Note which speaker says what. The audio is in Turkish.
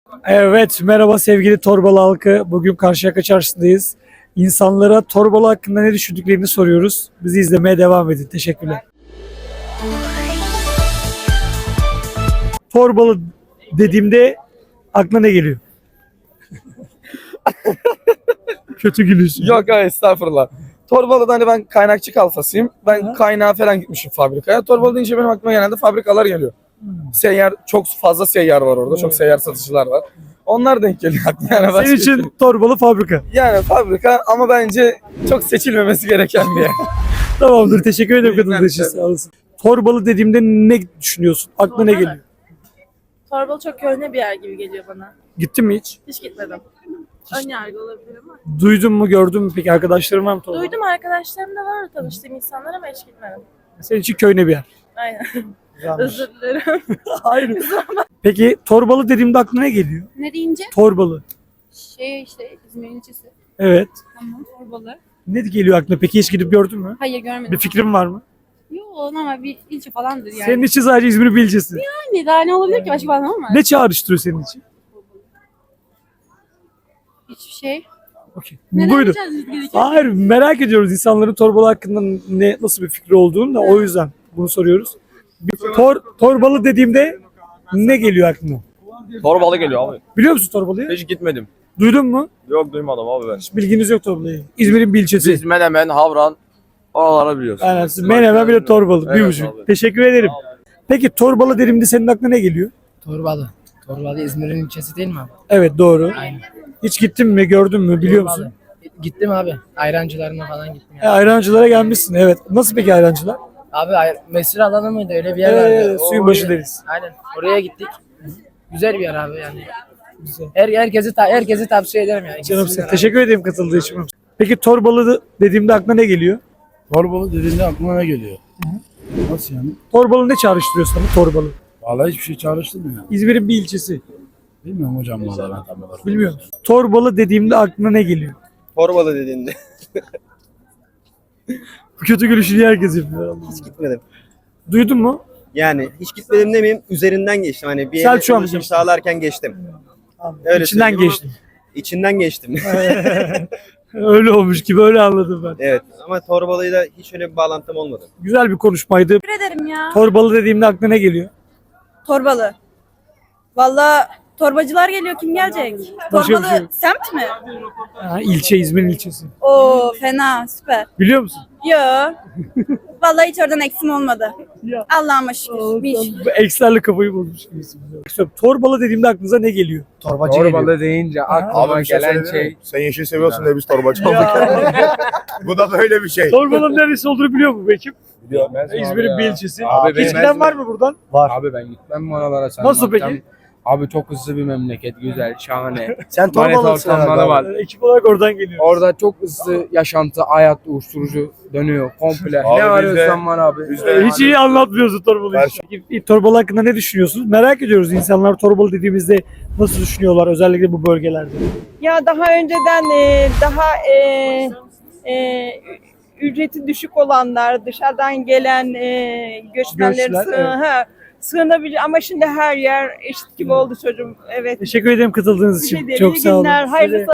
Speaker 1: Evet, merhaba sevgili Torbalı halkı. Bugün Karşıyaka Çarşı'dayız. İnsanlara Torbalı hakkında ne düşündüklerini soruyoruz. Bizi izlemeye devam edin. Teşekkürler. Torbalı dediğimde aklına ne geliyor? Kötü gülüyorsun.
Speaker 2: Yok hayır estağfurullah. Torbalı'da hani ben kaynakçı kalfasıyım. Ben kaynağa falan gitmişim fabrikaya. Torbalı deyince benim aklıma genelde fabrikalar geliyor. Seyyar, çok fazla seyyar var orada. Çok seyyar satıcılar var. Onlar denk geliyor aklıma. Yani
Speaker 1: Senin için Torbalı fabrika.
Speaker 2: yani fabrika ama bence çok seçilmemesi gereken bir yer.
Speaker 1: Tamamdır. Teşekkür ederim katıldığın için. Sağ olasın. Torbalı dediğimde ne düşünüyorsun? Aklına ne geliyor?
Speaker 3: Torbalı çok köhne bir yer gibi geliyor bana.
Speaker 1: Gittin mi hiç?
Speaker 3: Hiç gitmedim. Ön yargı olabilir ama.
Speaker 1: Duydun mu, gördün mü peki? Arkadaşların var mı Torbalı?
Speaker 3: Duydum, arkadaşlarım da var, tanıştığım insanlar ama hiç gitmedim.
Speaker 1: Senin için köyne bir yer.
Speaker 3: Aynen.
Speaker 1: Güzelmiş.
Speaker 3: Özür dilerim.
Speaker 1: Hayır. Peki Torbalı dediğimde aklına ne geliyor?
Speaker 4: Ne deyince?
Speaker 1: Torbalı.
Speaker 4: İşte İzmir'in ilçesi.
Speaker 1: Evet.
Speaker 4: Tamam, Torbalı.
Speaker 1: Ne geliyor aklına? Peki hiç gidip gördün mü?
Speaker 4: Hayır görmedim.
Speaker 1: Bir fikrin var mı?
Speaker 4: Yok ama bir ilçe falandır yani.
Speaker 1: Senin için sadece İzmir'in bir ilçesi.
Speaker 4: Yani daha ne olabilir ki başka falan ama?
Speaker 1: Ne çağrıştırıyor senin için?
Speaker 4: Hiçbir şey.
Speaker 1: Okey.
Speaker 4: Neden
Speaker 1: Buyurun.
Speaker 4: diyeceğiz gerekiyor?
Speaker 1: Hayır, merak ediyoruz insanların Torbalı hakkında nasıl bir fikri olduğunu da o yüzden bunu soruyoruz. Torbalı dediğimde ne geliyor aklına?
Speaker 5: Torbalı geliyor abi.
Speaker 1: Biliyor musun Torbalı'yı?
Speaker 5: Hiç gitmedim.
Speaker 1: Duydun mu?
Speaker 5: Yok duymadım abi ben.
Speaker 1: Hiç bilginiz yok Torbalı'yı. İzmir'in bir ilçesi.
Speaker 5: Biz Menemen, Havran oraları biliyoruz.
Speaker 1: Aynen. Siz Menemen bir de Torbalı. Bir
Speaker 5: Evet
Speaker 1: buçuk.
Speaker 5: abi.
Speaker 1: Teşekkür ederim. Peki Torbalı dediğimde senin aklına ne geliyor?
Speaker 6: Torbalı. Torbalı İzmir'in ilçesi değil mi abi?
Speaker 1: Evet, doğru.
Speaker 6: Aynen.
Speaker 1: Hiç gittin mi, gördün mü, biliyor
Speaker 6: Torbalı.
Speaker 1: musun?
Speaker 6: Gittim abi. Ayrancılarına falan gittim. Yani.
Speaker 1: Ayrancılara gelmişsin, evet. Nasıl peki ayrancılar?
Speaker 6: Abi mesir alanı mıydı? Öyle bir yer vardı.
Speaker 1: Suyun
Speaker 6: O-
Speaker 1: başı deriz.
Speaker 6: Aynen. Oraya gittik. Güzel bir yer abi yani.
Speaker 1: Güzel.
Speaker 6: Herkesi tavsiye ederim yani.
Speaker 1: Canım
Speaker 6: Gitsinler abi.
Speaker 1: teşekkür ederim katıldığı için. Peki Torbalı dediğimde aklına ne geliyor?
Speaker 7: Torbalı dediğinde aklıma ne geliyor? Nasıl yani?
Speaker 1: Torbalı ne çağrıştırıyor sana Torbalı?
Speaker 7: Vallahi hiçbir şey çağrıştırmıyor.
Speaker 1: İzmir'in bir ilçesi.
Speaker 7: Bilmiyorum hocam vallahi ben tam olarak.
Speaker 1: Bilmiyor musun? Torbalı dediğimde aklına ne geliyor?
Speaker 8: Torbalı dediğinde
Speaker 1: Bu kötü gülüşünü herkes yapıyor.
Speaker 8: hiç gitmedim.
Speaker 1: Duydun mu?
Speaker 8: Yani hiç gitmedim demeyeyim, üzerinden geçtim. Hani bir yere
Speaker 1: Selçuk'a mı
Speaker 8: ulaşım
Speaker 1: geçtin?
Speaker 8: sağlarken geçtim. Öyle
Speaker 1: İçinden
Speaker 8: söyleyeyim ama
Speaker 1: geçtim.
Speaker 8: İçinden geçtim.
Speaker 1: Öyle olmuş gibi, öyle anladım ben.
Speaker 8: Evet ama Torbalı'yla hiç öyle bir bağlantım olmadı.
Speaker 1: Güzel bir konuşmaydı.
Speaker 3: Teşekkür ederim ya.
Speaker 1: Torbalı dediğimde aklına ne geliyor?
Speaker 3: Torbalı. Valla torbacılar geliyor, kim gelecek?
Speaker 1: Başka bir
Speaker 3: Torbalı
Speaker 1: şey yok.
Speaker 3: semt mi?
Speaker 1: Ha, ilçe, İzmir'in ilçesi.
Speaker 3: Oo fena, süper.
Speaker 1: Biliyor musun?
Speaker 3: Yo. Vallahi hiç oradan eksim olmadı.
Speaker 1: Ya.
Speaker 3: Allah'ıma şükür. Bir şükür.
Speaker 1: Bu Ekslerle kafayı bozmuş gibisin. Torbalı dediğimde aklınıza ne geliyor?
Speaker 9: Torbalı deyince aklıma gelen şey
Speaker 7: Sen yeşil seviyorsun diye biz torbacı olduk. Bu da böyle bir şey.
Speaker 1: Torbalı'nın neresi olduğunu biliyor mu bu ekip?
Speaker 9: bilmez mi
Speaker 1: İzmir'in
Speaker 9: abi
Speaker 1: bir
Speaker 9: ya?
Speaker 1: ilçesi.
Speaker 9: Abi
Speaker 1: Hiç
Speaker 9: ben-
Speaker 1: giden var mı buradan?
Speaker 9: Abi ben gitmem oralara sen
Speaker 1: Nasıl
Speaker 9: bakacağım.
Speaker 1: peki?
Speaker 9: Abi çok hızlı bir memleket, güzel, şahane.
Speaker 7: Sen
Speaker 9: Manita
Speaker 7: torbalısın
Speaker 9: ortamları
Speaker 7: herhalde.
Speaker 9: var.
Speaker 1: Ekip olarak oradan geliyor.
Speaker 9: Orada çok hızlı yaşantı, hayat, uyuşturucu dönüyor komple.
Speaker 7: Abi
Speaker 9: Ne
Speaker 7: biz
Speaker 9: arıyorsan var abi.
Speaker 1: Hiç iyi anlatmıyorsun Torbalı'yı. Peki, Torbalı hakkında ne düşünüyorsunuz? Merak ediyoruz insanlar Torbalı dediğimizde nasıl düşünüyorlar özellikle bu bölgelerde.
Speaker 10: Ya daha önceden ücreti düşük olanlar, dışarıdan gelen göçmenlerin
Speaker 1: Göçler, evet.
Speaker 10: sığınabilir ama şimdi her yer eşit gibi oldu çocuğum. Evet.
Speaker 1: Teşekkür ederim katıldığınız
Speaker 10: Bir şey
Speaker 1: için.
Speaker 10: değil.
Speaker 1: Çok
Speaker 10: İyi
Speaker 1: sağ olun.
Speaker 10: günler, hayırlı